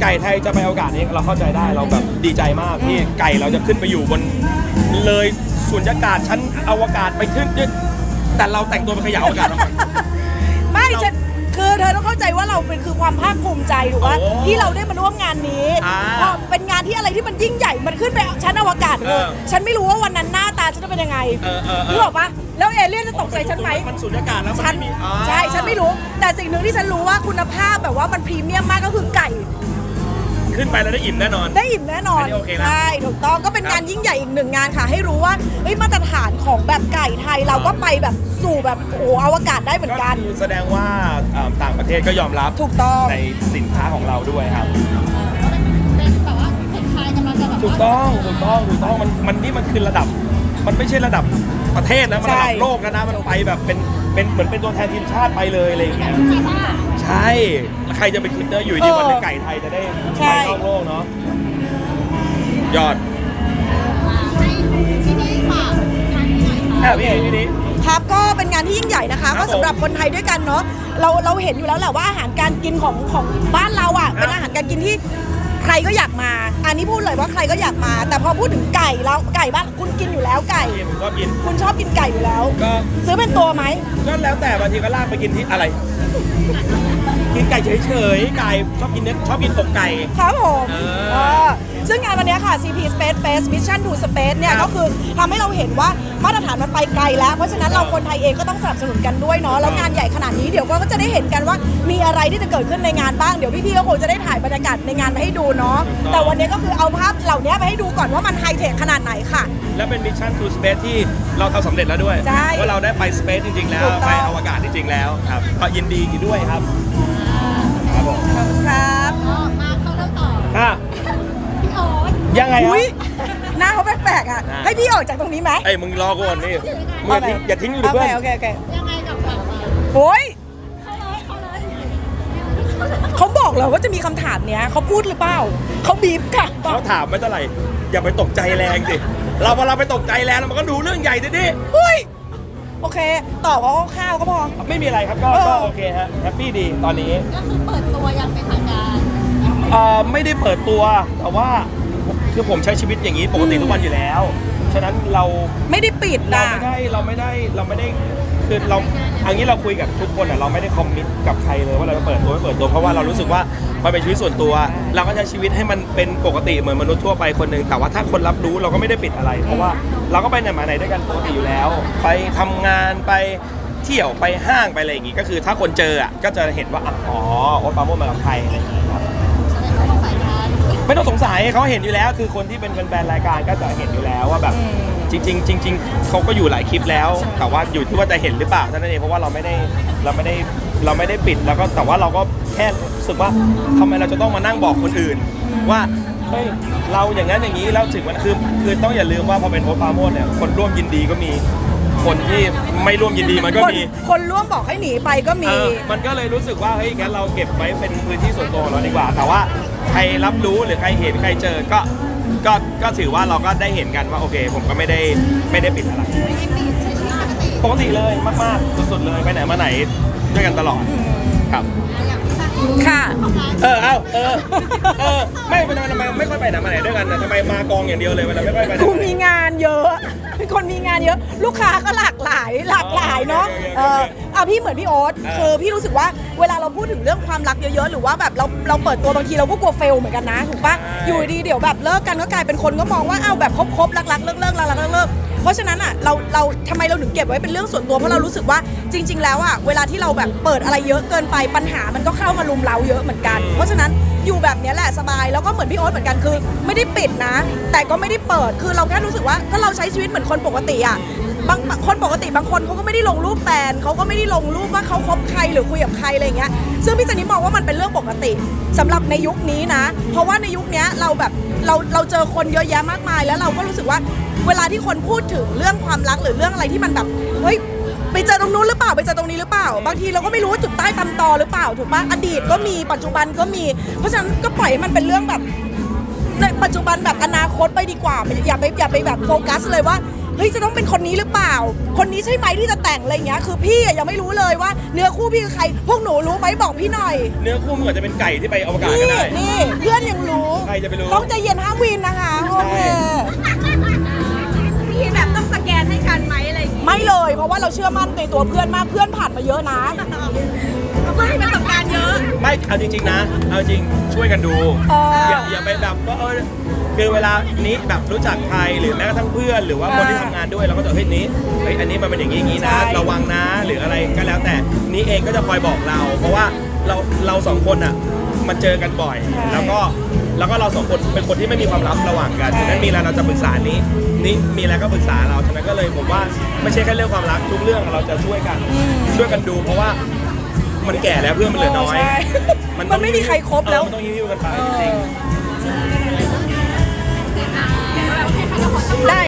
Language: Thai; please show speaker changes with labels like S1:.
S1: ก่ไทยจะไปอวกาศนี้เราเข้าใจได้เราแบบดีใจมากที่ไก่เราจะขึ้นไปอยู่บนเลยสุญญากาศชั้นอวกาศไปขึ้นแต่เราแต่งตัวเป็นขยะอวกาศทำไม
S2: ไม่จะคือเธอต้องเข้าใจว่าเราเป็นคือความภาคภูมิใจถูกป่ะที่เราได้มาร่วมงานนี้พอเป็นงานที่อะไรที่มันยิ่งใหญ่มันขึ้นไปชั้นอวกาศเลยฉันไม่รู้ว่าวันนั้นหน้าตาฉันจะเป็นยังไงรู้หรอปะแล้วเอเลี่ยนจะตกใจฉันไหม
S1: มันสุญญากาศแล้วมันไม่มี
S2: ใช่ฉันไม่รู้แต่สิ่งหนึ่งที่ฉันรู้ว่าคุณภาพแบบว่ามันพรีเมียมมากก็คือไก่
S1: ขึ้นไปแล้วได้อิ่มแน่นอน
S2: ได้อิ่มแน่นอนใช่ถูกต้องก็เป็นงานยิ่งใหญ่อีกหนึ่งงานค่ะให้รู้ว่ามาตรฐานของแบบไก่ไทยเราก็ไปแบบสู่แบบโอ้อวกาศได้เหมือนกัน
S1: แสดงว่าต่างประเทศก็ยอมรับ
S2: ถูกต้อง
S1: ในสินค้าของเราด้วยครับ
S3: เป็นแบบว่าคนไทยกำลังจะแบบ
S1: ถูกต้องมันนี่มันคือระดับมันไม่ใช่ระดับประเทศนะมันระดับโลกนะมันไปแบบเป็นเหมือนเป็นตัวแทนทีมชาติไปเลยอะไรอย่างเงี้ยใช่ใครจะไปคิดเนอะอยู่ดีวันนึงไก่ไทยจะได้ไปนอกโลกเนาะยอด
S3: ที่นี่ฝากงานนี้หน่อยค่ะ
S1: พี่นี้
S2: ครับก็เป็นงานที่ยิ่งใหญ่นะคะก็สำหรับคนไทยด้วยกันเนาะเราเห็นอยู่แล้วแหละว่าอาหารการกินของบ้านเราอ่ะเป็นอาหารการกินที่ใครก็อยากมาอันนี้พูดเลยว่าใครก็อยากมาแต่พอพูดถึงไก่แล้วไก่บ้านคุณกินอยู่แล้วไก่
S1: ผมก็กิน
S2: คุณชอบกินไก่อยู่แล้ว
S1: ก็
S2: ซื้อเป็นตัวไหม
S1: ก็แล้วแต่บางทีก็ลากไปกินที่อะไรกินไก่เฉยๆไก่ชอบกินเนื้อชอบกินอกไก่
S2: ครับผมซึ่งงานวันนี้ค่ะ CP Space Fest Mission to Space เนี่ยก็คือทำให้เราเห็นว่ามาตรฐานมันไปไกลแล้วเพราะฉะนั้นเราคนไทยเองก็ต้องสนับสนุนกันด้วยเนาะแล้วงานใหญ่ขนาดนี้เดี๋ยวก็จะได้เห็นกันว่ามีอะไรที่จะเกิดขึ้นในงานบ้างเดี๋ยวพี่ๆก็คงจะได้ถ่ายบรรยากาศในงานมาให้ดูเนาะแต่วันนี้ก็คือเอาภาพเหล่านี้ไปให้ดูก่อนว่ามันไฮเทคขนาดไหนค่ะ
S1: และเป็น Mission to Space ที่เราทำสำเร็จแล้วด้วยว่าเราได้ไป Space จริงๆแล้วไปอวกาศจริงๆแล้วครับก็ยินดีด้วยครับ
S2: ครับผมครับ
S3: มาเข้าเรื่องต่อพี่โอ๊ต
S1: ยังไง
S2: หน้าเขาแปลกๆอ่ะให้พี่ออกจากตรงนี้ไหม
S1: มึงรอก่อนนี่อย่าทิ้งอยู่เพื่อน
S2: โอเค
S3: ยังไงกับแบบ
S2: โอ้ย
S3: เขาเลย
S2: เขาบอกเลยว่าจะมีคำถามเนี้ยเขาพูดหรือเปล่าเขาบีบค่ะ
S1: เขาถามไม่เท่าไหร่อย่าไปตกใจแรงสิเราพอเราไปตกใจแรงมันก็ดูเรื่องใหญ่ดิ
S2: โอเคตอบว่าข้าวก็พอ
S1: ไม่มีอะไรครับก็โอเคฮะแฮปปี้ดีตอนนี้
S3: ก็คือเปิดตัวยังเป็นทางการ
S1: ไม่ได้เปิดตัวแต่ว่าคือผมใช้ชีวิตอย่างนี้ปกติทุกวันอยู่แล้วฉะนั้นเรา
S2: ไม่ได้ปิดนะ
S1: เราไม่ได้คือเราอันนี้เราคุยกับทุกคนเราไม่ได้คอมมิตกับใครเลยว่าเราจะเปิดตัวไม่เปิดตัวเพราะว่าเรารู้สึกว่ามันเป็นชีวิตส่วนตัวเราก็ใช้ชีวิตให้มันเป็นปกติเหมือนมนุษย์ทั่วไปคนหนึ่งแต่ว่าถ้าคนรับรู้เราก็ไม่ได้ปิดอะไรเพราะว่าเราก็ไปไหนมาไหนด้วยกันปกติอยู่แล้วไปทำงานไปเที่ยวไปห้างไปอะไรอย่างงี้ก็คือถ้าคนเจอก็จะเห็นว่าอ๋อโอ๊ตปราโมชมากับใครอะไรอย่างงี้ครับไม่ต้องสงสัยเขาเห็นอยู่แล้วคือคนที่เป็นแฟนรายการก็จะเห็นอยู่แล้วว่าแบบจริงเขาก็อยู่หลายคลิปแล้วแต่ว่าอยู่ที่ว่าจะเห็นหรือเปล่าเท่านั้นเองเพราะว่าเราไม่ได้ปิดแล้วก็แต่ว่าเราก็แค่รู้สึกว่าทำไมเราจะต้องมานั่งบอกคนอื่นว่าเฮ้ยเราอย่างนั้นอย่างนี้แล้วถึงมันคือต้องอย่าลืมว่าพอเป็นโอ๊ตปราโมชเนี่ยคนร่วมยินดีก็มีคนที่ไม่ร่วมยินดีมันก็มี
S2: คนร่วมบอกให้หนีไปก็มี
S1: มันก็เลยรู้สึกว่าเฮ้ยงั้นเราเก็บไว้เป็นพื้นที่ส่วนตัวของเราดีกว่าแต่ว่าใครรับรู้หรือใครเห็นใครเจอก็ถือว่าเราก็ได้เห็นกันว่าโอเคผมก็ไม่ได้ปิดอะไรปกติเลยมากๆสุดๆเลยไปไหนมาไหนด้วยกันตลอดครับ
S2: ค่ะ
S1: ไม่เป็นทำไมไม่ค่อยไปไหนมาไหนด้วยกันนะทำไมมากองอย่างเดียวเลยเวลาไม่ค่อยไป
S2: กูมีงานเยอะเป็นคนมีงานเยอะลูกค้าก็หลากหลายเนาะพี่เหมือนพี่โอ๊ตคือพี่รู้สึกว่าเวลาเราพูดถึงเรื่องความรักเยอะๆหรือว่าแบบเราเปิดตัวบางทีเราก็กลัวเฟลเหมือนกันนะถูกปะอยู่ดีเดี๋ยวแบบเลิกกันก็กลายเป็นคนก็มองว่าแบบคบรักเลิกเพราะฉะนั้นเราทำไมเราถึงเก็บไว้เป็นเรื่องส่วนตัวเพราะเรารู้สึกว่าจริงๆแล้วเวลาที่เราแบบเปิดอะไรเยอะเกินไปปัญหามันก็เข้ามารุมเร้าเยอะเหมือนกันเพราะฉะนั้นอยู่แบบนี้แหละสบายแล้วก็เหมือนพี่โอ๊ตเหมือนกันคือไม่ได้ปิดนะแต่ก็ไม่ได้เปิดคือเราแค่รู้สึกว่าถ้าเราใช้ชีวิตเหมือนคนปกติบางคนปกติบางคนเขาก็ไม่ได้ลงรูปแฟนเขาก็ไม่ได้ลงรูปว่าเขาคบใครหรือคุยกับใครอะไรเงี้ยซึ่งพี่เจนนี่มองว่ามันเป็นเรื่องปกติสำหรับในยุคนี้นะเพราะว่าในยุคนี้เราแบบเราเจอคนเยอะแยะมากมายแล้วเราก็รู้สึกว่าเวลาที่คนพูดถึงเรื่องความรักหรือเรื่องอะไรที่มันแบบเฮ้ยไปเจอตรงนู้นหรือเปล่าไปเจอตรงนี้หรือเปล่าบางทีเราก็ไม่รู้ว่าจุดใต้ตำตอหรือเปล่าถูกปะอดีตก็มีปัจจุบันก็มีเพราะฉะนั้นก็ปล่อยให้มันเป็นเรื่องแบบในปัจจุบันแบบอนาคตไปดีกว่าอย่าไปแบบโฟกัสเลยว่าเฮ้ยจะต้องเป็นคนนี้หรือเปล่า คนนี้ใช่ไหมที่จะแต่งอะไรเงี้ยคือพี่อะยังไม่รู้เลยว่าเนื้อคู่พี่คือใครพวกหนูรู้ไหมบอกพี่หน่อย
S1: เนื้อคู่มันอาจจะเป็นไก่ที่ไปอวกาศก็ได้
S2: นี่เพื่อนยังรู้
S1: ใครจะไปรู้
S2: ต้องใจเย็นห้ามวีนนะคะโอเค
S3: พี่แบบต้องสแกนให้กันไหมอะไรอย่างงี้
S2: ไม่เลยเพราะว่าเราเชื่อมั่นในตัวเพื่อนมากเพื่อนผ่านมาเยอะนะ
S3: เพื่อนที่ประสบการณ์เยอะ
S1: ไม่เอาจริงๆนะเอาจริงช่วยกันดู
S2: เอออ
S1: อย่าไปแบบว่าคือเวลานี้แบบรู้จักใครหรือแม้กระทั่งเพื่อนหรือว่าคนที่ทำงานด้วยเราก็จะเฮ้ยนี้เฮ้ยอันนี้มันเป็นอย่างนี้นะ
S2: ใช่
S1: ระวังนะหรืออะไรก็แล้วแต่นี้เองก็จะคอยบอกเรา เพราะว่าเราสองคนอ่ะมันเจอกันบ่อย แล้วก็เราสองคนเป็นคนที่ไม่มีความลับระหว่างกันฉะนั้นมีอะไรเราจะปรึกษานี้มีอะไรก็ปรึกษาเราฉะนั้นก็เลยผมว่าไม่ใช่แค่เรื่องความรักทุกเรื่องเราจะช่วยกันดู เพราะว่ามันแก่แล้วเพื่อนมันเหลือน้อย
S2: ใช่มันไม่มีใครครบแล้ว
S1: มันต้องยิ้วๆกันไปจริงๆ
S2: ได้